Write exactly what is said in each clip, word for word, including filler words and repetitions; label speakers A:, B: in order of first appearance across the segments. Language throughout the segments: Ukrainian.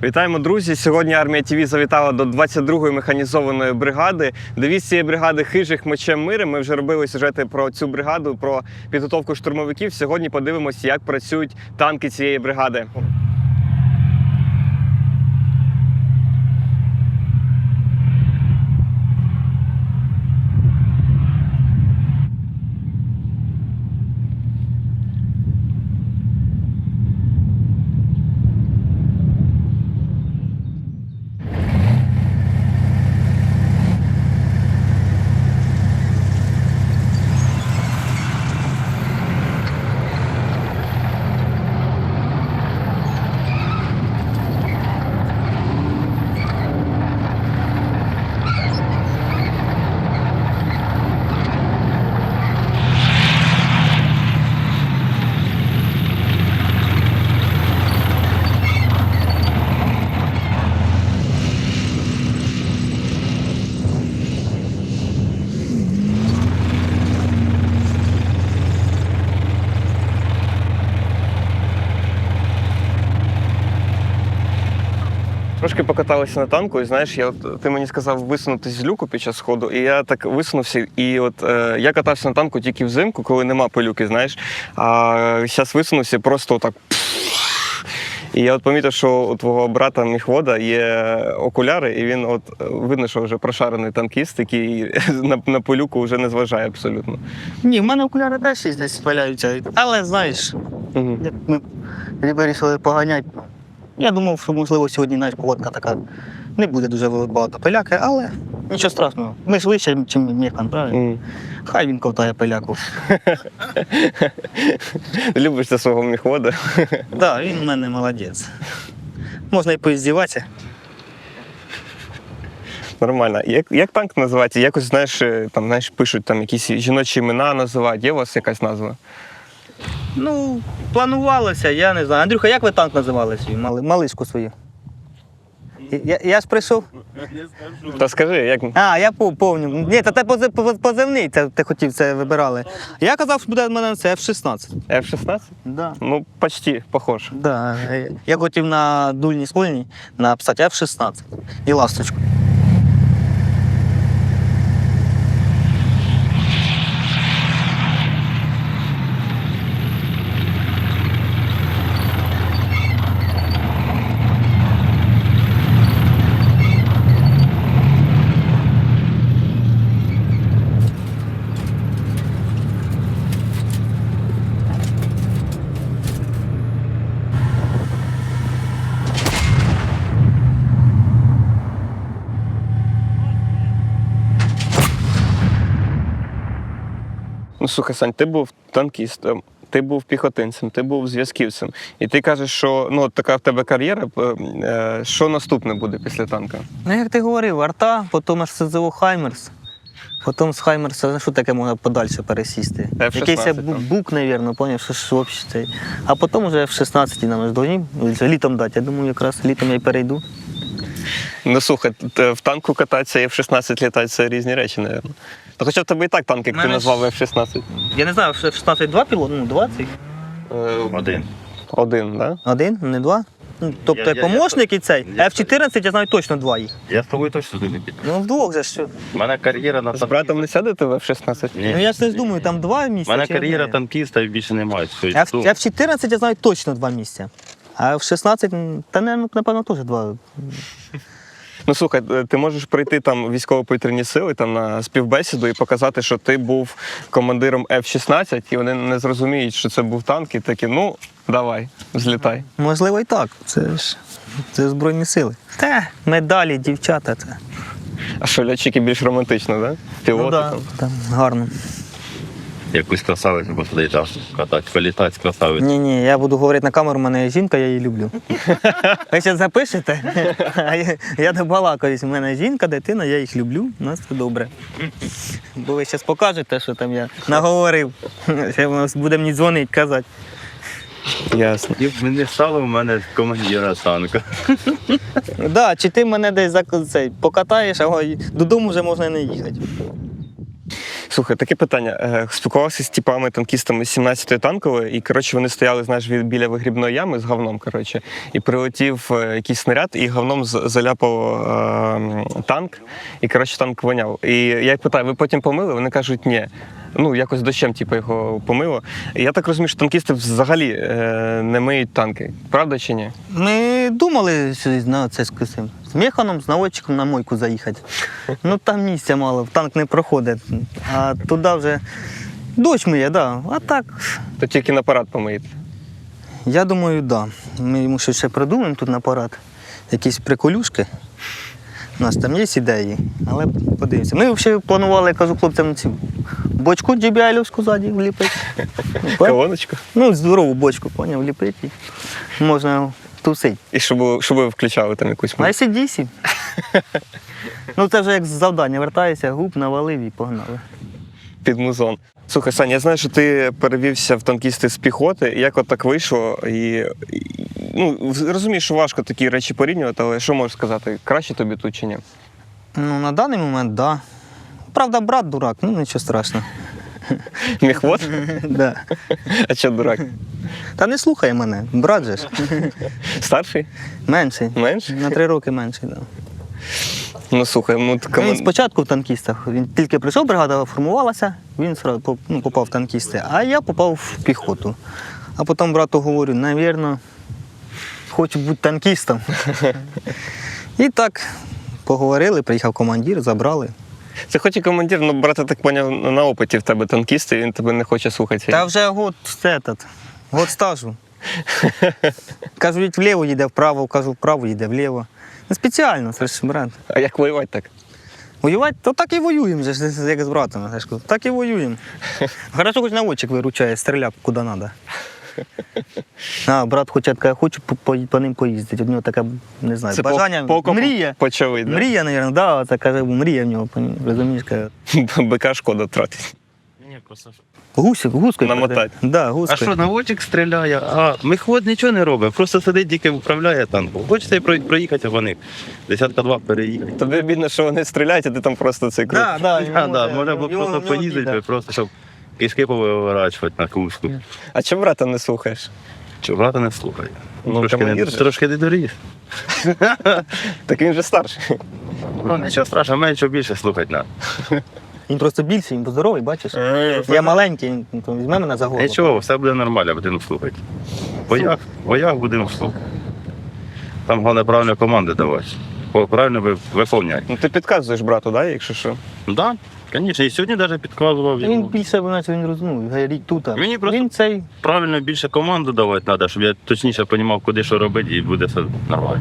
A: Вітаємо, друзі! Сьогодні Армія ТВ завітала до двадцять другої механізованої бригади. Девіз цієї бригади «Хижих мечем миром». Ми вже робили сюжети про цю бригаду, про підготовку штурмовиків. Сьогодні подивимося, як працюють танки цієї бригади. Трошки покаталися на танку, і знаєш, я от, ти мені сказав висунутись з люку під час ходу, і я так висунувся, і от е, я катався на танку тільки взимку, коли нема пилюки, знаєш, а зараз висунувся просто отак. І я от помітив, що у твого брата Міхвода є окуляри, і він от видно, що вже прошарений танкіст, який на, на пилюку вже не зважає абсолютно.
B: Ні, в мене окуляри теж десь спаляються, але знаєш,
A: Угу.
B: як ми вирішили поганяти. Я думав, що, можливо, сьогодні навіть погодка така не буде дуже багато пиляки, але нічого страшного. Ми ж вище, ніж Мєхан, правильно?
A: Mm.
B: Хай він ковтає пиляку.
A: Любиш ти свого Міхвода?
B: Так, да, він у мене молодець. Можна і поіздіватися.
A: Нормально. Як, як танк називається? Якось, знаєш, там, знаєш, пишуть там якісь жіночі імена називають. Є у вас якась назва?
B: Ну, планувалося, я не знаю. Андрюха, як ви танк називали свій? Мали, малишку свою? Я, я ж прийшов.
A: Та скажи, як?
B: А, я пам'ятаю. Ні, та те позивний, це ти хотів, це вибирали. Я казав, що буде в мене це еф шістнадцять.
A: еф шістнадцять?
B: Да.
A: Ну, почти, похож.
B: Да. Я хотів на дульній скольній написати еф шістнадцять і ласточку.
A: Ну, слухай, Сань, ти був танкістом, ти був піхотинцем, ти був зв'язківцем. І ти кажеш, що ну, така в тебе кар'єра, е, що наступне буде після танка?
B: Ну, як ти говорив, арта, потім аж СЗО Хаймерс, потім з Хаймерса, що таке можна подальше пересісти?
A: еф шістнадцять,
B: Якийсь бу- бук, мабуть, поняв, що ж взагалі це. А потім вже еф шістнадцять нам ж повинні літом дати. Я думаю, якраз літом я й перейду.
A: Ну, слухай, т- в танку кататися і еф шістнадцять літати – це різні речі, мабуть. Та хоча в тебе і так танк, як ти
B: Мене
A: назвав
B: ж-
A: еф шістнадцять.
B: Я не знаю, еф шістнадцять два пілот, ну двадцять.
C: Один.
A: Один, так? Да?
B: Один, не два. Ну, тобто
C: Я- я-
B: помощник і цей.
C: я-
B: еф чотирнадцять я знаю точно два їх.
C: Я з тобою точно не піду.
B: Ну вдвох же що.
C: У мене кар'єра на
A: З братом не сядете в еф шістнадцять?
C: Ні.
B: Ну я ж не думаю, там два
C: У
B: місця.
C: мене
B: чи
C: кар'єра
B: одне?
C: танкіста і більше немає. Все,
B: еф
C: йду.
B: еф чотирнадцять я знаю точно два місця. А еф шістнадцять, м, та не, напевно, теж два.
A: Ну, слухай, ти можеш прийти там в військово-повітряні сили там, на співбесіду і показати, що ти був командиром еф шістнадцять, і вони не зрозуміють, що це був танк, і такі, ну, давай, злітай.
B: Можливо, і так. Це ж це Збройні сили. Та, медалі, дівчата. Це.
A: А що, льотчики більш романтично, так? Да? Пілоти
B: Ну, да,
A: там.
B: там гарно.
C: Якусь красавицю посадити, катати, політати з красавицю.
B: Ні, ні, я буду говорити на камеру, у мене є жінка, я її люблю. Ви ще запишете? А я, я добалакаюсь, у мене жінка, дитина, я їх люблю, у нас все добре. Бо ви зараз покажете, що там я наговорив. Ще буде мені дзвонити, казати.
A: Ясно.
C: І не стало в мене командира танка.
B: Да, чи ти мене десь за цей покатаєш, а ой, додому вже можна не їхати.
A: Слухай, таке питання. Е, Спілкувався з типами танкістами з сімнадцятої танкової, і коротше вони стояли, знаєш, від- біля вигрібної ями з говном. Коротше, і прилетів е, якийсь снаряд, і говном з- заляпав е, танк, і коротше танк воняв. І я їх питаю, ви потім помили? Вони кажуть, ні. Ну, якось дощем, типу, його помило. І я так розумію, що танкісти взагалі е, не миють танки. Правда чи ні?
B: Ми думали що на це з кисим. З механом, з наводчиком на мойку заїхати. Ну там місця мало, в танк не проходить. А туди вже дощ миє, да. А так,
A: То тільки на парад помиєте.
B: я думаю, да. Ми йому щось ще придумаємо тут на парад. Якісь приколюшки. У нас там є ідеї, але подивимося. Ми взагалі планували, я кажу хлопцям, цю бочку джі бі ай-овську ззаді вліпити.
A: Колоночку.
B: Ну, здорову бочку, поняв, вліпити. Можна тусити.
A: І щоб, щоб ви включали там якусь
B: На
A: музику.
B: ай сі ді сі. Ну це вже як з завдання. Вертаєшся, губ навалив і погнали.
A: Під музон. Слухай, Сань, я знаю, що ти перевівся в танкісти з піхоти. Як от так вийшло? І, і ну, розумієш, що важко такі речі порівнювати, але що можеш сказати? Краще тобі тут чи ні?
B: Ну, на даний момент, так. Да. Правда, брат дурак, ну нічого страшного.
A: Міхвод?
B: Да.
A: А що дурак?
B: Та не слухай мене, брат же ж.
A: Старший?
B: Менший.
A: Менший?
B: На три роки менший, так. Да.
A: Ну слухай, ну така.
B: Він спочатку в танкістах. Він тільки прийшов, бригада формувалася, він сразу поп- ну, попав в танкісти, а я попав в піхоту. А потім брату говорю, навірно, хочу бути танкістом. І так поговорили, приїхав командир, забрали.
A: Це хоч і командир, ну брат, я так поняв, на опиті в тебе танкіст, і він тебе не хоче слухати.
B: Та вже год этот, год стажу. Кажуть, вліво їде, вправо, кажу, вправо їде, вліво. Не спеціально, це ж брат.
A: А як воювати так?
B: Воювати, то так і воюємо, же ж, як з братом. я ж кажу, Так і воюємо. Хорошо, хоч наводчик виручає, стріляв куди треба. А, брат хоче, каже, хочу по, по, по ним поїздити. У нього таке, не знаю,
A: Це
B: бажання,
A: по, по окопу
B: мрія.
A: почали, да?
B: Мрія, мабуть, да, це каже, мрія в нього, розумієш, каже.
A: БК шкода тратить.
C: Ні, просто що.
B: Гусик, гускою.
A: Намотать.
B: Да,
C: А
B: гускою.
C: що, наводчик стріляє, а мехвод нічого не робить, просто сидить, тільки управляє танком. Хочеться і про- проїхати, а вони десятка два переїхати.
A: Тобі бідно, що вони стріляють, а ти там просто цей круг.
B: Да, да,
C: Да, да, можна було
B: йому-
C: просто
B: йому
C: поїздити,
B: біда.
C: просто щоб кишки повиворачувати на куску.
A: А чому брата не слухаєш?
C: Чи брата не слухає?
A: Ну,
C: трошки, не,
A: командир же.
C: трошки не доріс.
A: Так він же старший.
C: Ну, нічого страшного, менше більше слухати треба.
B: Він просто більший, він здоровий, бачиш? Я маленький, він то візьме мене за голову.
C: Нічого, все буде нормально, будемо слухати. В боях, в боях будемо слухати. Там головне правильно команди давати. По- Правильно ви- виконувати.
A: Ну ти підказуєш брату, да, якщо що?
C: Так, да, звісно, і сьогодні навіть підказував.
B: Він
C: йому.
B: більше, знаєш, він розуміє, рік тут. а
C: Мені просто-
B: Він цей.
C: Правильно більше команду давати треба, щоб я точніше розумів, куди що робити, і буде все нормально.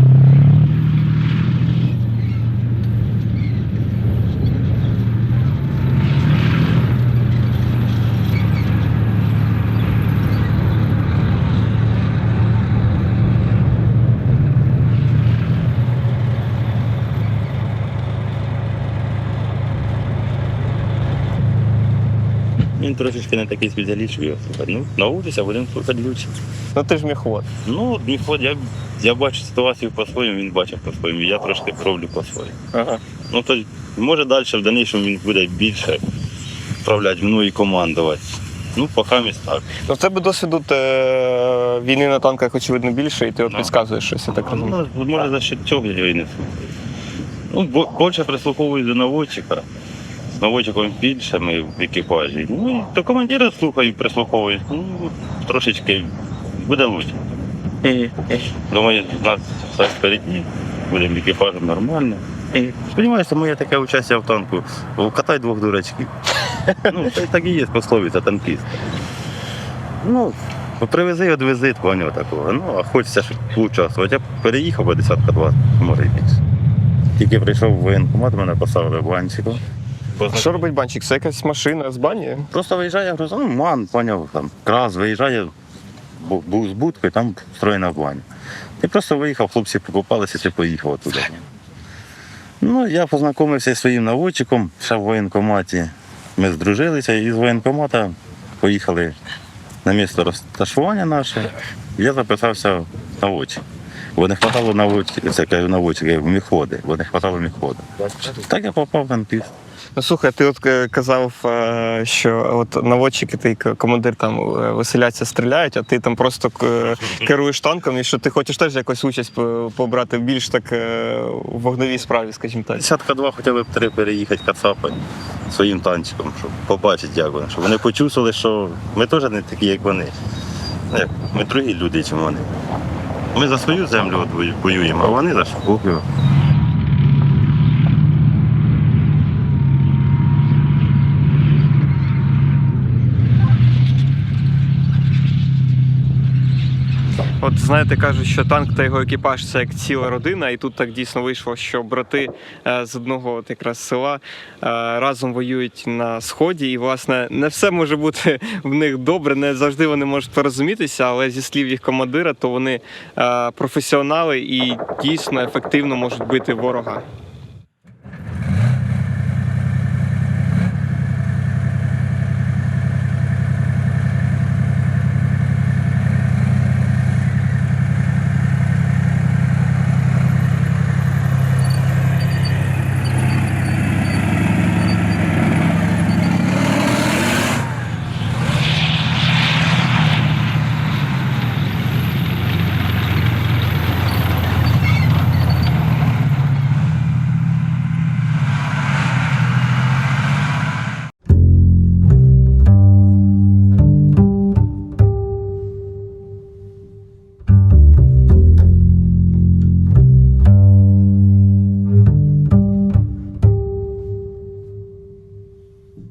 C: Він трошечки не такий спеціаліст, що його слухати. Ну, научися, будемо слухати лучше.
A: Ну ти ж міхвод.
C: Ну, міхвод, я, я бачу ситуацію по-своєму, він бачить по-своєму, я трошки роблю по-своєму.
A: Ага.
C: Ну, то може далі в дальнішому він буде більше управляти мною і командувати. Ну, поки місь так.
A: Ну в тебе досвіду е, війни на танках, очевидно, більше, і ти от
C: Ну.
A: підказуєш щось, я так розумію.
C: Ну, може за що цього я його і не слухаю. Ну, бо- більше прислуховую до наводчика. З наводчиком більше ми в екіпажі. Ну, і до командира слухаю, прислуховую. Ну, трошечки буде лучше. Думаю, у нас все впереді, будемо екіпажем нормально. Сподіваюся, моє таке участь в танку. Катай двох дурачків. Ну, це так і є пословиця танкіст. Ну, привези, відвези, поняв такого. Ну, а хочеться ж участвувати. Я переїхав, бо десятка два, може і більше. Тільки прийшов в воєнкомат, мене поставили банчиком.
A: А що робить банчик? Це якась машина з бані?
C: Просто виїжджає, я кажу, ну, ман, поняв, там, крас, виїжджає, бу- був з будкою, там встроєна баня. І просто виїхав, хлопці покупалися, і поїхав туди. Ну, я познайомився зі своїм наводчиком, ще в воєнкоматі. Ми здружилися і з воєнкомата поїхали на місце розташування наше. Я записався в наводчик. Бо не вистачало наводчика, це кажу наводчика, в міхводи, бо не вистачало міхвода. Так я попав в танкіст.
A: Ну слухай, ти от е, казав, е, що от наводчики, ти к- командир там е, веселяться, стріляють, а ти там просто к- керуєш танком, і що ти хочеш теж якусь участь по- побрати більш так е, в вогневій справі, скажімо так.
C: Десятка два хоча б три переїхати кацапи своїм танчиком, щоб побачити, як вони. Щоб вони почувствували, що ми теж не такі, як вони. Ну, як, ми другі люди, ніж вони. Ми за свою землю от вою- воюємо, а вони за свою.
A: От знаєте, кажуть, що танк та його екіпаж це як ціла родина, і тут так дійсно вийшло, що брати е, з одного от якраз села е, разом воюють на сході, і власне не все може бути в них добре, не завжди вони можуть порозумітися, але зі слів їх командира, то вони е, професіонали і дійсно ефективно можуть бити ворога.